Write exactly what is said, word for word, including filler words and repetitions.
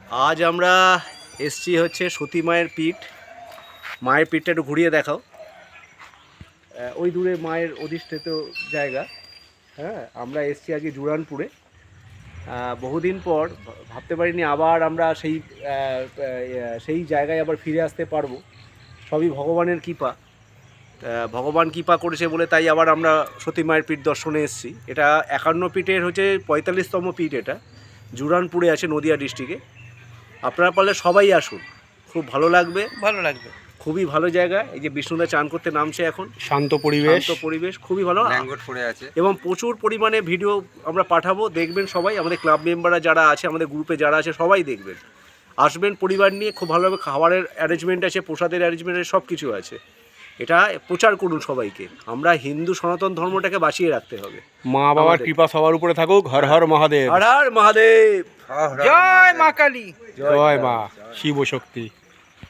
আজ আমরা এসছি হচ্ছে সতী মায়ের পীঠ। মায়ের পীঠটা একটু ঘুরিয়ে দেখাও। ওই দূরে মায়ের অধিষ্ঠিত জায়গা। হ্যাঁ, আমরা এসছি আজকে জুরানপুরে। বহুদিন পর ভাবতে পারিনি আবার আমরা সেই সেই জায়গায় আবার ফিরে আসতে পারবো। সবই ভগবানের কৃপা। ভগবান কৃপা করেছে বলে তাই আবার আমরা সতী মায়ের পীঠ দর্শনে এসেছি। এটা একান্ন পীঠের হচ্ছে পঁয়তাল্লিশতম পীঠ। এটা জুরানপুরে আছে, নদিয়া ডিস্ট্রিক্টে। আপনারা পারলে সবাই আসুন, খুব ভালো লাগবে। ভালো লাগবে, খুবই ভালো জায়গা। এই যে বিষ্ণুদা চান করতে নামছে এখন, শান্ত পরিবেশ, শান্ত পরিবেশ, খুবই ভালো ল্যাঙ্গট পড়ে আছে এবং প্রচুর পরিমাণে ভিডিও আমরা পাঠাবো, দেখবেন সবাই। আমাদের ক্লাব মেম্বাররা যারা আছে, আমাদের গ্রুপে যারা আছে সবাই দেখবেন, আসবেন পরিবার নিয়ে। খুব ভালোভাবে খাবারের অ্যারেঞ্জমেন্ট আছে, প্রসাদের অ্যারেঞ্জমেন্ট আছে, সব কিছু আছে। এটা প্রচার করুন সবাইকে। আমরা হিন্দু সনাতন ধর্মটাকে বাঁচিয়ে রাখতে হবে। মা বাবার কৃপা সবার উপরে থাকুক। হর হর মহাদেব। হর হর মহাদেব। জয় মা কালী, জয় মা শিব শক্তি।